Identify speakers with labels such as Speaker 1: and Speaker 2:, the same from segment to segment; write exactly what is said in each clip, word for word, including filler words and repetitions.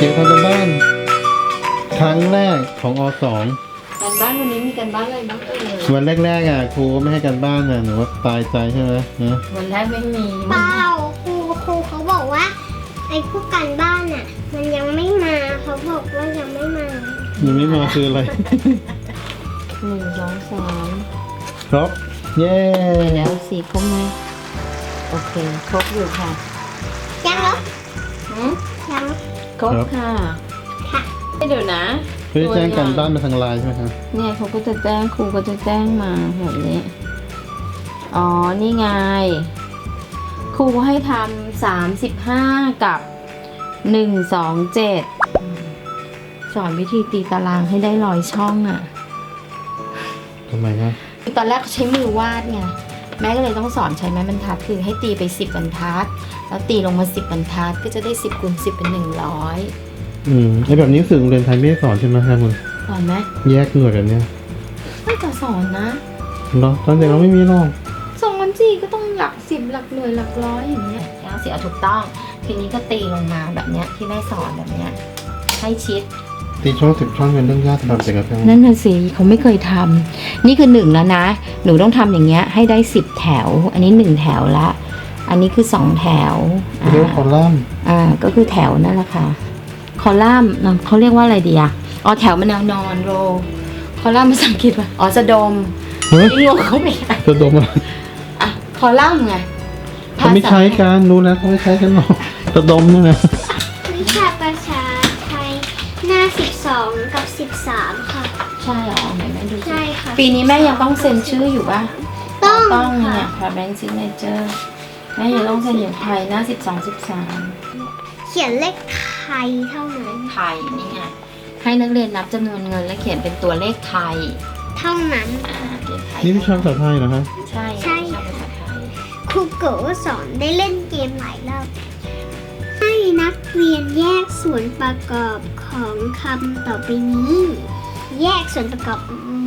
Speaker 1: ทำกันบ้านครั้งแรกของอสอง
Speaker 2: การบ้านวันนี้มีการบ้านอะไรบ้างเอ่ย
Speaker 1: วันแรกๆอ่ะครูไม่ให้การบ้านอ่ะหนูว่าตายใจใช่ไหมนะ
Speaker 2: วันแรกไม่มี
Speaker 3: เปล่าครูครูเขาบอกว่าไอ้พวกการบ้านอ่ะ มันยังไม่มาเขาบอกว่ายังไม่มา
Speaker 1: ยังไม่มาคืออะไร
Speaker 2: หนึ่งสองสาม
Speaker 1: ครบเย้
Speaker 2: แล้วสี่ครบไหมโอเคครบอยู่ค่ะ
Speaker 3: ยังเหรอ
Speaker 2: หืม
Speaker 3: ยัง
Speaker 2: ครบค่ะ
Speaker 3: ค่ะ
Speaker 2: เดี๋ยวนะ
Speaker 1: เพื่อแจ้งการบ้านมาทางไลน์ใช่ไหมคะ
Speaker 2: เนี่ยเขาก็จะแจ้งครูก็จะแจ้งมาแบบนี้อ๋อนี่ไงครูให้ทำสามสิบห้ากับหนึ่งสองเจ็ดสอนวิธีตีตารางให้ได้ร้อยช่องอ่ะ
Speaker 1: ทำไมคะ
Speaker 2: ตอนแรกใช้มือวาดไงแม่ก็เลยต้องสอนใช้ไม้บรรทัดคือให้ตีไปสิบบรรทัดแล้วตีลงมาสิบบรรทัดก็จะได้สิบคูณสิบเป็นหนึ่งร้อย
Speaker 1: อืมไอแบบนี้สื่อโรงเรียนไทยไม่ได้สอนใช่ไหมคะมึง
Speaker 2: สอนไหม
Speaker 1: แยกหน่วยแบบเนี้ย
Speaker 2: ไม่จะสอนนะ
Speaker 1: เนาะตอนเด็กเราไม่มีหรอก
Speaker 2: สอนสิก็ต้องหลักสิบหลักหน่วยหลักร้อยอย่างเงี้ยเอาสิเอาถูกต้องทีนี้ก็ตีลงมาแบบเนี้ยที่แม่สอนแบบเนี้ยให้ชิด
Speaker 1: ตีช่องสิบช่องเป็นเรื่องยากสำหรับเด็กกับเพื่อน
Speaker 2: นั่นน่ะสิเขาไม่เคยทำนี่คือหนึ่งแล้วนะหนูต้องทำอย่างเงี้ยให้ได้สิบแถว อันนี้หนึ่งแถวละอันนี้คือสองแถว
Speaker 1: เรียกว่าคอลัมน์
Speaker 2: อ่าก็คือแถวนั่นแหละค่ะคอลัมน์เขาเรียกว่าอะไรดีอะอ๋อแถวมันแนวนอนโรคอลัมน์ภาษาอังกฤษว่าอ๋อสะดม
Speaker 1: เฮ้ย
Speaker 2: นี่งงเขาไปอ่ะ
Speaker 1: จะดมอะไร
Speaker 2: อ่ะคอลัมน์ไง
Speaker 1: เขาไม่ใช้กันรู้แล้วเขาไม่ใช้กันหรอกจะดมเนี่ยนะ
Speaker 3: วิชาภาษาไทยหน้าสิบสองกับสิบสามค่ะ
Speaker 2: ใช่เหรอไหนแม่ดูสิ
Speaker 3: ใช่ค่ะ
Speaker 2: ปีนี้แม่ยังต้องเซ็นชื่ออยู่ป่ะ
Speaker 3: ต้อง
Speaker 2: ต้อง
Speaker 3: ค่ะ
Speaker 2: เนี่ยค่ะแบงค์ซิกเนเจอร์แม่ยังต้องเซ็นอยู่ไทยหน้าสิบสองสิบสาม
Speaker 3: เขียนเลขไทยเท่านั้น
Speaker 2: ไทยนี่ไงให้นักเรียนนับจำนวนเงินและเขียนเป็นตัวเลขไทย
Speaker 3: เท่านั้น
Speaker 2: อ่าเขียนไทย
Speaker 1: นี่วิชาภาษาไทยเหรอคะ
Speaker 2: ใช่
Speaker 3: ใช่
Speaker 2: วิชาภาษาไทย
Speaker 3: ครูโกสอนได้เล่นเกมหลายรอบให้นักเรียนแยกส่วนประกอบของคำต่อไปนี้ แยกส่วนประกอบออกมา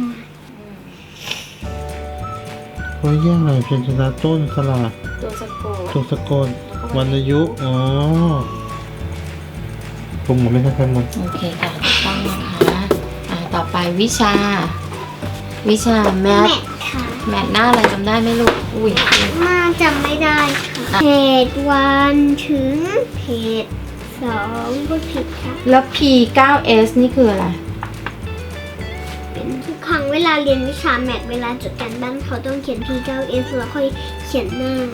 Speaker 1: เพราะแยกอะไรเป็นชนะต้นสลา
Speaker 2: ตัวสะกด
Speaker 1: ตัวสะกดวรรณยุกต์อ๋อผมหมดไม่ใช่ครับมัน
Speaker 2: โอเคค่ะถูกต้องนะคะอ่าต่อไปวิชา วิชาแม
Speaker 3: แม
Speaker 2: ท
Speaker 3: ทค่ะ
Speaker 2: แมทหน้าอะไรจำได้ไหมลูกอุ้ย
Speaker 3: มาจำไม่ได้ค่ะ เพจวันถึงเพจสองพูดผิดค่ะ
Speaker 2: แล้ว พี ไนน์ เอส นี่คืออะไร
Speaker 3: เป็นทุกครั้งเวลาเรียนวิชาแมทเวลาจดการบ้านเขาต้องเขียน พี ไนน์ เอส แล้วค่อยเขียนหน้า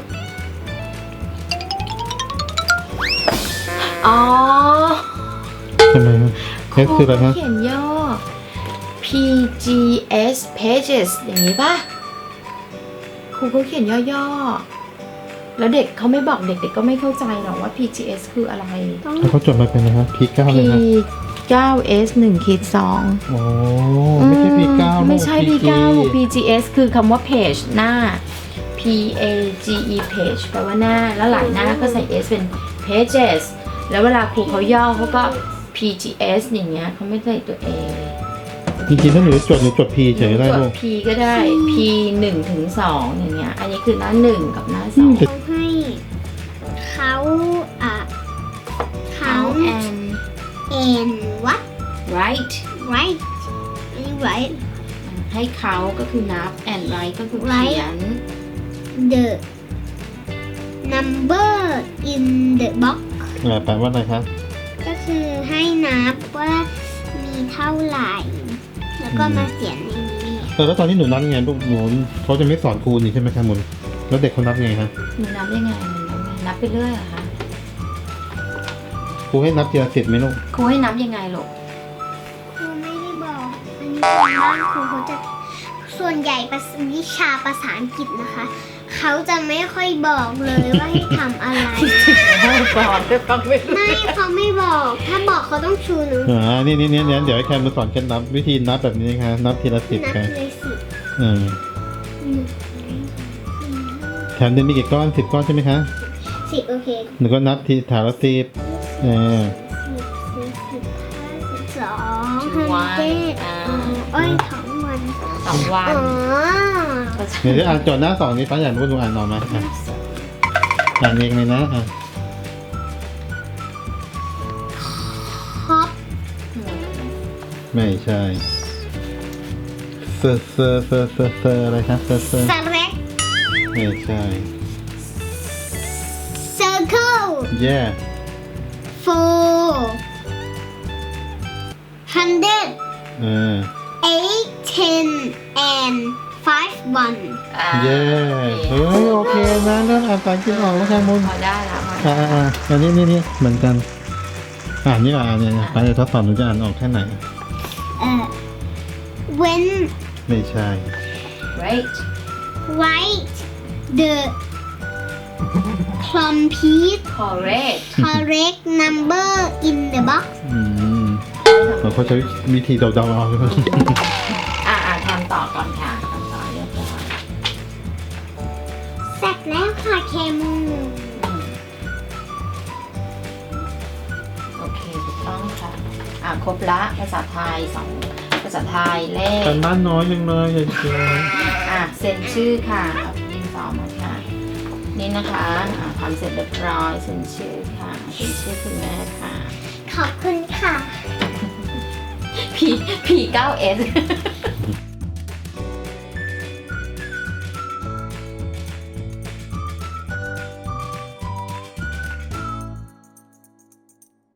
Speaker 2: อ๋อ
Speaker 1: ทำไมครับเอสคืออะไรฮะ
Speaker 2: เขียนย่อ พี จี เอส pages อย่างนี้ป่ะ ครูเขาเขียนย่อๆ แล้วเด็กเขาไม่บอกเด็กๆก็ไม่เข้าใจหรอกว่า พี จี เอส คืออะไร
Speaker 3: ต้อง
Speaker 1: แล้วเขาจดมาเป็นนะครับพีเก้าเลย
Speaker 2: พี
Speaker 1: ครับ
Speaker 2: ไนน์ เอส หนึ่งขีดสอง
Speaker 1: โอ้ไม่ใช่พีเก้า
Speaker 2: ไม่ใช่ พี ไนน์
Speaker 1: พี
Speaker 2: พี จี เอส คือคำว่า page หน้า P A G E page แปลว่าหน้า แล้วหลายหน้าก็ใส่ S เป็น pages แล้วเวลาครูเขาย่อเขาก็ พี จี เอส อย่างเงี้ยเขาไม่ใส่ตัว A
Speaker 1: จริงๆถ้าหนูจดหนูจดพีเฉยๆได้
Speaker 2: จ
Speaker 1: ลู
Speaker 2: ด
Speaker 1: ก
Speaker 2: P ก็ได้ P หนึ่งถึงสองอย่างเงี้ย อันนี้คือหน้าหนึ่งกับหน้าสอง
Speaker 3: เขาให้เขาอ่ะเขา
Speaker 2: count and
Speaker 3: เอ็นวัด
Speaker 2: write
Speaker 3: right อันนี้ right
Speaker 2: ให้เขาก็คือนับ and write ก็คือ
Speaker 3: Write
Speaker 2: เขียน
Speaker 3: the number in the box
Speaker 1: อ่าแปลว่าอะไรครับ
Speaker 3: ก็คือให้นับว่ามีเท่าไหร่ แล้วก็มาเขียนในนี้
Speaker 1: เออแล้วตอนที่หนูนับยังไงลูกหนูเขาจะไม่สอนครูนี่ใช่ไหมครับมุนแล้วเด็กเขานับไงฮะ
Speaker 2: หนูนับยังไงหนูนับยังไงนับไปเรื่อยเหรอคะ
Speaker 1: ครูให้นับทีละสิบไหมลูก
Speaker 2: ครูให้นับยังไงลูก
Speaker 3: ครูไม่ได้บอก อันนี้เป็นบ้านครูเขาจะส่วนใหญ่ภาษาวิชาภาษาอังกฤษนะคะ เขาจะไม่ค่อยบอกเลยว่าให้ทำอะไร
Speaker 2: ก่อนไปฟังไม่รู้
Speaker 3: ไม่เขาไม่บอก ถ้าบอกเขาต้องชูหนู
Speaker 1: อ่านี่นี่นี่นี่เดี๋ยวให้แคมมาสอนเคล็ดนับวิธีนับแบบนี้ครับนับทีละสิบ
Speaker 3: นับ
Speaker 1: ครับ
Speaker 3: เลยสิ
Speaker 1: อืม
Speaker 3: หนึ่ง
Speaker 1: แถมเดือนมีกี่ก้อนสิบก้อนใช่ไหมคะ
Speaker 3: สิบโอเค
Speaker 1: หนูก็นับทีแถวละสิบเออ
Speaker 3: สิบสิบสิบห้าสิบสองฮันเจ็ดอ๋อเอ้ยทั้งวัน
Speaker 2: สองวัน
Speaker 3: อ๋อ
Speaker 1: เดี๋ยวจะอ่านโจทย์หน้าสองนี้ฟ้าอยากรู้ว่าหนูอ่านออกไหมอ่ะอ่านเองเลยนะอ่ะไม่ใช่เซอร์เซอร์เซอร์เซอร์เซอร์อะไรครับเซอร์เซอร์
Speaker 3: สเล็ก
Speaker 1: ไม่ใช่
Speaker 3: เซอร์เคิล
Speaker 1: แย่
Speaker 3: โฟฮันเดรด
Speaker 1: เออ
Speaker 3: เอทเทนแอนไฟฟ์วัน
Speaker 2: อ่า
Speaker 1: เย่เฮ้ยโอเคนะเริ่มอ่านภาษาอังกฤษออกแล้วค่ะมุน
Speaker 2: พอได้แล้วพอ
Speaker 1: อ่า
Speaker 2: ได้
Speaker 1: อ่าอันนี้นี่นี่เหมือนกันอ่านนี่อ่านเนี่ยไปเดี๋ยวทดสอบหนูจะอ่านออกแค่ไหน
Speaker 3: เอ่อ when
Speaker 1: ไม่ใช่
Speaker 2: great
Speaker 3: write the complete
Speaker 2: correct
Speaker 3: correct number in the box
Speaker 1: อืมเขาใช้วิธีเดาๆเอาใช่ไหม
Speaker 2: อ่าอ่าทำต่อก่อนค่ะทำต่อเรียบร้อย
Speaker 3: เสร็จแล้วค่ะเคมู
Speaker 2: อืมโอเคถูกต้องค่ะ อ่าครบละภาษาไทยสองภาษาไทยเลข
Speaker 1: กันบ้านน้อยยังเลยอย่าเชื่อ
Speaker 2: อ่ะเซ็นชื่อค่ะเอาดินสอมาค่ะ นี่นะคะอ่ะทำเสร็จเรียบร้อยเซ็นชื่อค่ะเซ็นชื่อคุณแม่ค่ะ
Speaker 3: ขอบคุณค่ะ
Speaker 2: P P เก้า S